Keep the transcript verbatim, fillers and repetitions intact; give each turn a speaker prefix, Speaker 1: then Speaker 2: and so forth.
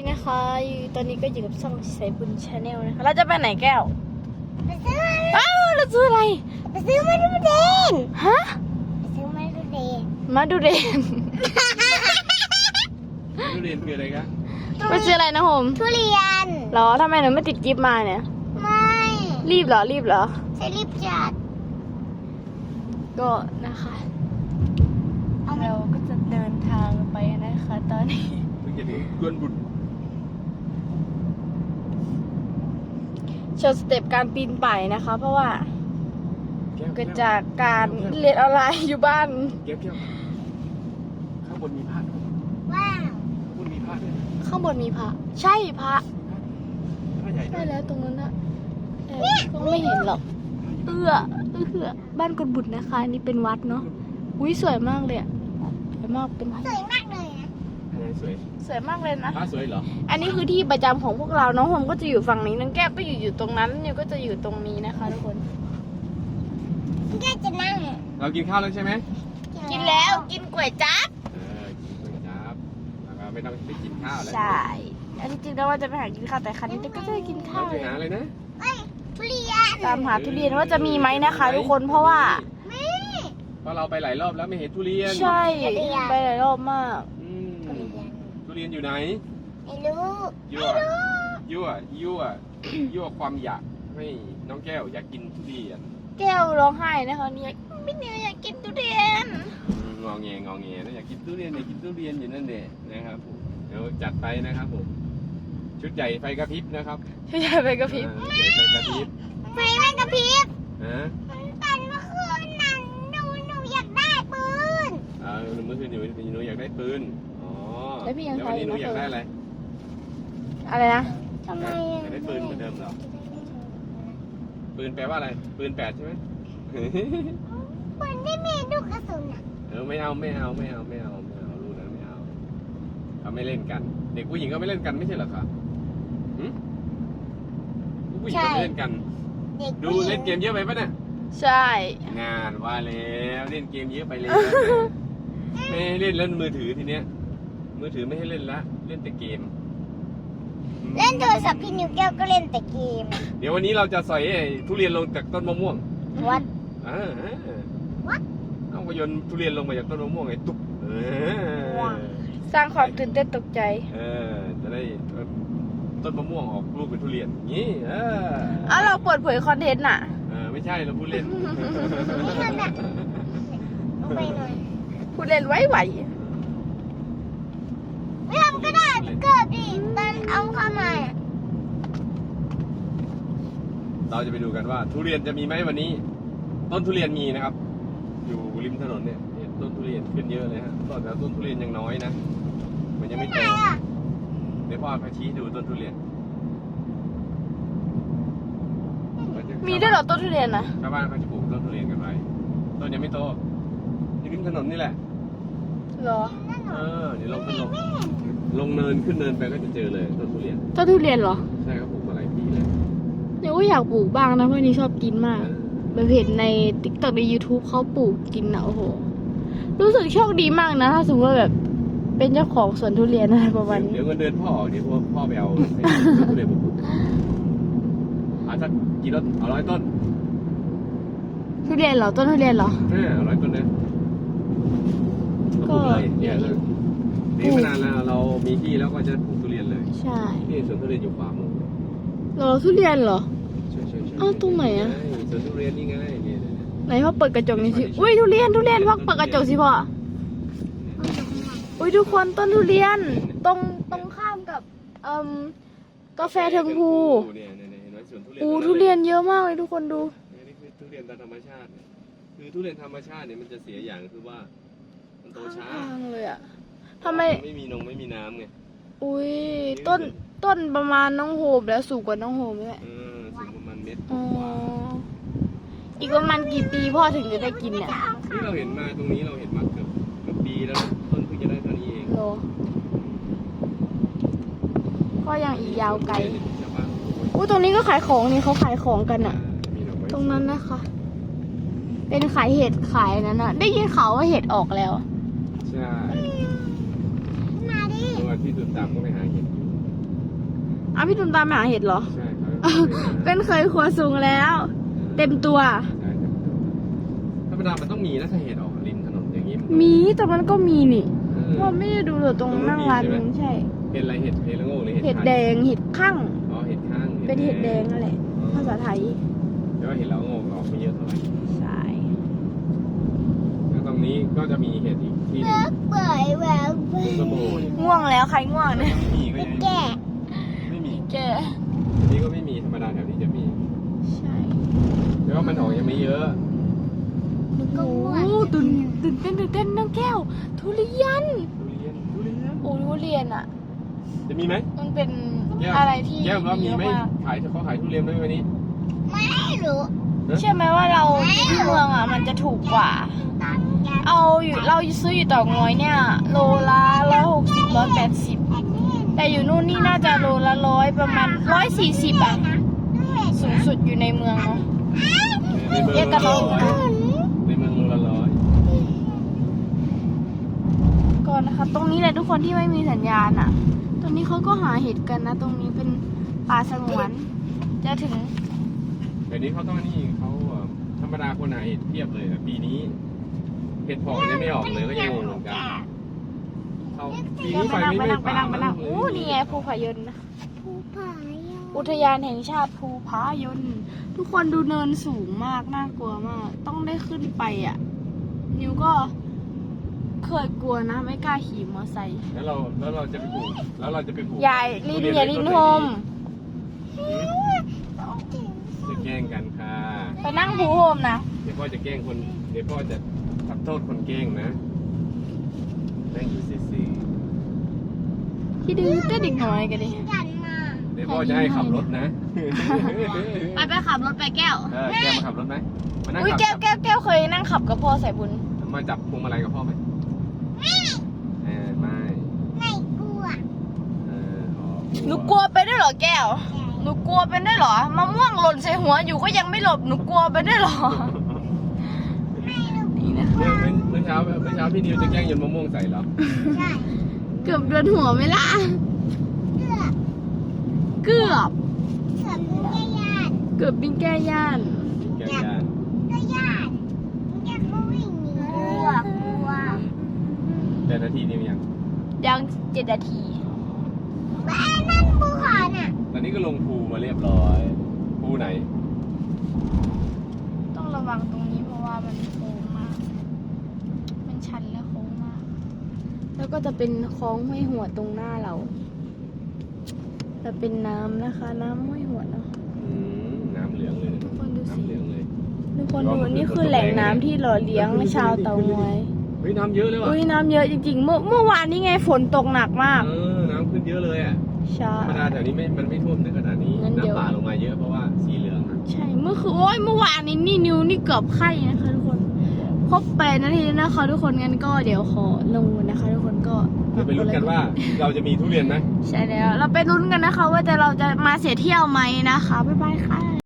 Speaker 1: นะคะตอนนี้ก็อยู่กับช่องสายบุญชาแนลนะคะเราจะไปไหนแก้ว
Speaker 2: ไปซื้อ
Speaker 1: อ้าวเราซื้ออะไร
Speaker 2: ไปซื้อมาดูเดน
Speaker 1: ฮะ
Speaker 2: ไปซื้อมาดูเดน
Speaker 1: มาดูเดน
Speaker 3: ทุเรียนคืออะไรครับ
Speaker 1: ไปซื้ออะไรนะโฮม
Speaker 2: ทุเรียน
Speaker 1: หรอทำไมหนูไม่ติดกิฟต์มาเนี่ย
Speaker 2: ไม่
Speaker 1: รีบเหรอรีบเหรอ
Speaker 2: ใช่รีบจัด
Speaker 1: ก็นะคะเราก็จะเดินทางไปนะคะตอนนี้
Speaker 3: ถึงจะถึงกวนบุตร
Speaker 1: โชว์สเต็ปการปีนป่ายนะคะเพราะว่าเกิดจากการเรียนออนไลน์อยู่บ้าน
Speaker 3: เก็บเก็บข้างบนมีพระ
Speaker 2: ว้าว
Speaker 3: ข้างบนมีพระด้วย
Speaker 1: ข้างบนมีพระใช่พระ
Speaker 3: พระใหญ่
Speaker 1: ได้แล้วตรงนั้นนะก็ไม่เห็นหรอกเอื้อเอื้อบ้านกุฎบุตรนะคะนี่เป็นวัดเนาะอุ้ยสวยมากเลยสวยมากเป็น
Speaker 2: สวยมากเลยนะ
Speaker 3: สวย
Speaker 1: สวยมากเลยนะ
Speaker 3: พระสวยเหรอ
Speaker 1: อันนี้คือที่ประจำของพวกเราน้องโฮมก็จะอยู่ฝั่งนี้น้องแก้วก็อยู่อยู่ตรงนั้นนิวก็จะอยู่ตรงนี้นะคะทุกคน
Speaker 2: แก้วจะนั่ง
Speaker 3: เรากินข้าวแล้วใช่ไหม
Speaker 1: กินแล้วกินก๋วยจั๊บ
Speaker 3: เออกินก๋วยจั๊บแล้วก็ไม่ต้องไปกินข้าวแล้ว
Speaker 1: ใช่อันนี้จริงแล้วว่าจะไปหากินข้าวแต่คันนี้ก็จะกินข้าว
Speaker 3: ไปหาอะไรนะ
Speaker 2: เอ้ยทุเรียน
Speaker 1: ตามหาทุเรียนว่าจะมีไหมนะคะทุกคนเพราะว่า
Speaker 3: เพราะเราไปหลายรอบแล้วไม่เห็นทุเรียน
Speaker 1: ใช่ไปหลายรอบมาก
Speaker 3: ทุเรียนอยู่ไหน
Speaker 2: ไม่รู้
Speaker 3: ยั่วยั่วยั่วยั่วความอยากให้น้องแก้วอยากกินทุเรียน
Speaker 1: แก้วร้องไห้นะคะเนี่ยไม่เนี่ยอยากกินทุเรียน
Speaker 3: งอแงงอแงนะอยากกินทุเรียนอยากกินทุเรียนอยู่นั่นเองนะครับผมเดี๋ยวจัดไปนะครับผมชุดใหญ่ไฟกระพริบนะครับ
Speaker 1: ชุดใหญ่ไฟกระพริบ
Speaker 3: ใหญ่ไฟกระพริบ
Speaker 2: ไฟไม่กระพริบ
Speaker 3: ฮะ
Speaker 2: ตอนเมื่อคืนนั้นหนูหนูอยากได้ปืน
Speaker 3: อ่าเมื่อคืนหนูหนูอยากได้ปืนอ๋อ
Speaker 1: แล้วพี่ยัง
Speaker 3: วันนี้หนูอยากได้อะไร
Speaker 1: อะไรนะ
Speaker 2: ทำไม
Speaker 3: อยากได้ปืนเหมือนเดิมเหรอปืนแปลว่าอะไรปืนแปดใช่ไหม
Speaker 2: ปืนที่มีลูกกระสุนอ่ะ
Speaker 3: เออไม่เอาไม่เอาไม่เอาไม่เอาไม่เอาลูกนั้นไม่เอาเขาไม่เล่นกันเด็กผู้หญิงก็ไม่เล่นกันไม่ใช่เหรอครับผู้หญิงก็ไม่เล่นกันดูเล่นเกมเยอะไปปะเนี่ย
Speaker 1: ใช่
Speaker 3: งานว่าแล้วเล่นเกมเยอะไปเลยไม่ให้เล่นเล่นมือถือทีเนี้ยมือถือไม่ให้เล่นละเล่นแต่เกม
Speaker 2: เล่นโทรศัพท์พี่นิวแก้วก็เล่นแต่เกม
Speaker 3: เดี๋ยววันนี้เราจะสอยทุเรียนลงจากต้นมะม่วง
Speaker 2: วัด
Speaker 3: อ่า
Speaker 2: วัด
Speaker 3: เอาไปโยนทุเรียนลงมาจากต้นมะม่วงไอ้ตุ๊ก
Speaker 1: สร้างความตื่นเต้นตกใจ
Speaker 3: เออจะได้ต้นมะม่วงออกลูกเป็นทุเรียนงี้เออ
Speaker 1: อ้าวเราเปิดเผยคอนเทนต์น่ะ
Speaker 3: เออไม่ใช่เราพูดเล่น
Speaker 2: ไปหน่อย
Speaker 1: พูดเล่นไว้ไหว
Speaker 2: ไม่ทำก็ได้เกิดดิตอนเอาเข้ามา
Speaker 3: เราจะไปดูกันว่าทุเรียนจะมีไหมวันนี้ต้นทุเรียนมีนะครับอยู่ริมถนนเนี่ยต้นทุเรียนขึ้นเยอะเลยฮะต้นแต่ต้นทุเรียนยังน้อยนะมันยังไม่โตเดี๋ยวพ่อพาชี้ดูต้นทุเรียน
Speaker 1: มีด้วยเหรอต้นทุเรียนนะ
Speaker 3: ชาวบ้านเขาจะปลูกต้นทุเรียนกันไว้ต้นยังไม่โตอยู่ริมถนนนี่แหละ
Speaker 1: เหรอ
Speaker 3: เออเดี๋ยวลงขึ้นลงลงเนินขึ้นเนินไปก็จะเจอเลยต้นทุเรียน
Speaker 1: ต้นทุเรียนเหรอ
Speaker 3: ใช่ครับปลูกมาหลายปีเลย
Speaker 1: เนี่ยก็อยากปลูกบ้างนะเพราะนี่ชอบกินมากแบบเห็นใน ติ๊กต็อก ใน ยูทูบ เขาปลูกกินนะโอ้โหรู้สึกโชคดีมากนะถ้าสมมติว่าแบบเป็นเจ้าของสวนทุเรียนอะไรประมาณนี้
Speaker 3: เดี๋ยวเงินเดือนพ่อเดี๋ยวพ่อไปเอาทุเรียนมาปลูกเอาสักกี่ต้นเอาร้อยต้น
Speaker 1: ทุเรียนเหรอต้นทุเรียนเหรอ
Speaker 3: เออร้อยต้นเนี่ยก็เนี่ยนี่มานานแล้วเรามีที่แล้วก็จะปลูกทุเรียนเลย
Speaker 1: ใช่
Speaker 3: นี่สวนทุเรียนอยู่ขวามือ
Speaker 1: เหรอทุเรียนเหรอ
Speaker 3: ใช่ใช่ใช่
Speaker 1: อ้าวตรงไหนอ่ะ
Speaker 3: สวนทุเรียนนี่ไงนี่
Speaker 1: ไหนพ่อเปิดกระจกนี่สิอุ้ยทุเรียนทุเรียนพ่อเปิดกระจกสิพ่ออุ้ยทุกคนต้นทุเรียนตรงตรงข้ามกับเอ่อกาแฟเทิงภูอูทุเรียนเยอะมากเลยทุกคนดู
Speaker 3: นี่คือทุเรียนตามธรรมชาติคือทุเรียนธรรมชาติเนี่ยมันจะเสียอย่างคือว่ามันโตช้า
Speaker 1: เลยอ่ะทำไม
Speaker 3: ไม่มีนงไม่มีน้ำไง
Speaker 1: อุ้ยต้นต้นประมาณน้องโฮมแล้วสูงกว่าน้องโฮมไหม
Speaker 3: เออสูงประมาณเมตร
Speaker 1: กว่าอีกประมาณกี่ปีพ่อถึงจะได้กินเนี่ย
Speaker 3: ที่เราเห็นมาตรงนี้เราเห็นมาเกือบเกือบปีแล้วต้นเพิ่งจะได้เท่านี้เอง
Speaker 1: โลก็ยังอีกยาวไกลอู้ตรงนี้ก็ขายของนี่เขาขายของกันอ่ะตรงนั้นนะคะเป็นขายเห็ดขายนั้นอ่ะได้ยินข่าวว่าเห็ดออกแล้ว
Speaker 3: ใช่มาดิที่ตุ่นตามก็ไปหาเห็ด
Speaker 1: พี่ตุนตามไปหาเห็ดเหรอ
Speaker 3: ใช่ครับ
Speaker 1: เป็นเคยครัวสูงแล้ว เต็มตัว
Speaker 3: ใช่ครับธรรมดามันต้องมีนะถ้าเห็ดออกริมถนนอย่างนี้น
Speaker 1: มีแต่มันก็มีนี่
Speaker 3: เออ
Speaker 1: เพราะไม่ได้ดูเลยตรงนั่งร้านนึงใช่
Speaker 3: เห็ดอะไรเห็ดเห็ดละโงกหรือเห็ด
Speaker 1: เห็ด
Speaker 3: ไข่
Speaker 1: แดงเห็ดข้าง
Speaker 3: อ๋อเห็ดข้าง
Speaker 1: เป็นเห็ดแดงนั่นแหละ ภาษาไทย
Speaker 3: แต่ว่าเห็ดละโงกออกไม่เยอะเท่าไหร่
Speaker 1: ใช่
Speaker 3: แล้วตรงนี้ก็จะมีเห็ดอีกที่หนึ
Speaker 2: เลิ
Speaker 3: ง
Speaker 2: กเปิดแบบ
Speaker 3: สมโบย
Speaker 1: ง่วงแล้วใครง่วงเนี่ย
Speaker 3: ไม่มีก็ยัง
Speaker 2: แก่
Speaker 3: ไม่มี
Speaker 1: แก
Speaker 3: อันนี้ก็ไม่มีธรรมดาแถวนี้จะมี
Speaker 1: ใช่
Speaker 3: แต่ว่ามันออกยังไม่เยอะ
Speaker 1: โอ้โหตื่นตื่นเต้นตื่นเต้นน้องแก้ว ทุเรียน
Speaker 3: ทุเรียนทุเรียน
Speaker 1: โอ้ทุเรียนอ่ะ
Speaker 3: จะมีไหม
Speaker 1: มันเป็น
Speaker 3: แก้ว
Speaker 1: อะไรที่
Speaker 3: แก้วว่ามีไหม
Speaker 1: เยอะาก
Speaker 3: ขายเขาขายทุเรียนไหมวันนี้
Speaker 2: ไม่รู้
Speaker 1: เชื่อไหมว่าเราอยู่ที่เมืองอ่ะ มันจะถูกกว่า
Speaker 2: ตอนแก
Speaker 1: เอาอยู่เราซื้ออยู่เต่องอยเนี่ย โลละร้อยหกสิบร้อยแปดสิบ
Speaker 2: แผ่นเห็น
Speaker 1: แต่อยู่นู่นนี่น่าจะโลละร้อยประมาณร้อยสี่สิบอ่ะ สูงสุดอยู่ในเมืองเนาะ
Speaker 3: ในเมือง
Speaker 1: เอ๊ะแต่
Speaker 3: โล
Speaker 1: เรา
Speaker 3: ละร้อยในเมืองโลละร้อย
Speaker 1: ก่อนนะคะ ตรงนี้แหละทุกคนที่ไม่มีสัญญาณอ่ะ ตรงนี้เขาก็หาเห็ดกันนะ ตรงนี้เป็นป่าสงวน จะถึง
Speaker 3: เดี๋ยวนี้เขาต้องนี่เขาเอ่อธรรมดาคนหาเห็ดเพียบเลยแต่ปีนี้เห็ดเพาะยังไม่ออกเลยก็ยังงงเหมือนกันเขาปี
Speaker 1: ไป
Speaker 3: นี้ไฟ
Speaker 1: นั่ง
Speaker 3: ไม่
Speaker 1: ไป
Speaker 3: ไม่
Speaker 1: นั่งไป
Speaker 3: ป่า
Speaker 1: นั่งไปนั่ง
Speaker 3: เลย
Speaker 1: อู้นี่ไงภูผายนนะ
Speaker 2: ภูผายน
Speaker 1: อุทยานแห่งชาติภูผายน ทุกคนดูเนินสูงมาก น่ากลัวมาก ต้องได้ขึ้นไปอ่ะ นิวก็เคยกลัวนะ ไม่กล้าขี่มอไซค์
Speaker 3: แล้วเราแล้วเราจะไปปลูกแล้วเราจะไปปลูก
Speaker 1: ยายลิน
Speaker 3: ทุเรี
Speaker 1: อย่าลิน
Speaker 3: ไว้
Speaker 1: โฮ
Speaker 3: ต้
Speaker 1: ม
Speaker 3: ไหนดีจะแกล้งกันค่ะ
Speaker 1: ไปนั่งภูโฮมนะ
Speaker 3: เดี๋ยวพ่อจะแกล้งคนเดี๋ยวพ่อจะทำโทษคนแกล้งนะนั่งอยู่ซื่อ
Speaker 1: ที่ดื้อเต้นเด็กน้อยกันดิ
Speaker 2: กันมา
Speaker 3: ๆเดี๋ยวพ่อจะให้ขับรถนะ
Speaker 1: ไปไปขับรถไปแก้ว
Speaker 3: เออแกมาขับรถไหมมานั่ง
Speaker 1: อุ้ย
Speaker 3: ขับ
Speaker 1: แก้วแก้วแก้วเคยนั่งขับกับพ่อสายบุญ
Speaker 3: มาจับพวงมาลัยกับพ่อไหมเออไม่
Speaker 2: ไม่กลัว
Speaker 3: เอออ๋อ
Speaker 1: หนูกลัวไปด้วยเหรอแก้ว หนูกลัวเป็นด้วยเหรอมะม่วงหล่นใส่หัวอยู่ก็ยังไม่หลบ หนูกลัวเป็นด้วยเหรอ นี่นะ
Speaker 3: เมื่อเมื่อเช้าเมื่อเช้าพี่นิวจะแกล้งโยนมะม่วงใส่เหรอ
Speaker 2: ใช่
Speaker 1: เกือบโดนหัวไหมล่ะ
Speaker 2: เกือบ
Speaker 1: เกือบ
Speaker 2: เกือบไม่ยาน
Speaker 1: เกือบบินแก้ย่าน
Speaker 3: แกล้งยาน
Speaker 2: ก็ยานแกก็วิ่งหนีกลัวกลัว
Speaker 3: แต่นาทีนิวยัง
Speaker 1: ยังเจ็ดนาที
Speaker 2: แม่นั่นภูเขาน่ะ
Speaker 3: ตอนนี้ก็ลงภูมาเรียบร้อยภูไหน
Speaker 1: ต้องระวังตรงนี้เพราะว่ามันโค้งมาก มันชันและโค้งมาก แล้วก็จะเป็นคลองห้วยหัวตรงหน้าเรา จะเป็นน้ำนะคะ น้ำห้วยหัวเนาะ
Speaker 3: อืมน้ำเหลืองเลย
Speaker 1: ทุกคนดูสิ
Speaker 3: น้ำเหลืองเลย
Speaker 1: ทุกคนดูนี่คือแหล่งน้ำที่หล่อเลี้ยงชาวเตางอย
Speaker 3: เฮ้ยน้ำเยอะเลยว่ะ
Speaker 1: อุ้ยน้ำเยอะจริงๆ เมื่อเมื่อวานนี้ไงฝนตกหนักมาก
Speaker 3: เออน้ำขึ้นเยอะเลยอ่ะ
Speaker 1: ใช่
Speaker 3: ธรรมดาแถวนี้ไม่มันไม่ท่วมในขนาดนี้
Speaker 1: งั้นเดี๋ยว
Speaker 3: น้ำป่าลงมาเยอะเพราะว่าสีเหลืองอะ
Speaker 1: ใช่เมื่อคือโอ้ยเมื่อวานนี้นี่นิวนี่เกือบไข้นะคะทุกคนครบแปดนาทีแล้วนะคะ ทุกคนงั้นก็เดี๋ยวขอลงนะคะ ทุกคนก็
Speaker 3: เดี๋ยวไปลุ้นกันว่าเราจะมีทุเรียนไหม
Speaker 1: ใช่แล้ว เราไปลุ้นกันนะคะ ว่าจะเราจะมาเสียเที่ยวไหมนะคะบ๊ายบายค่ะ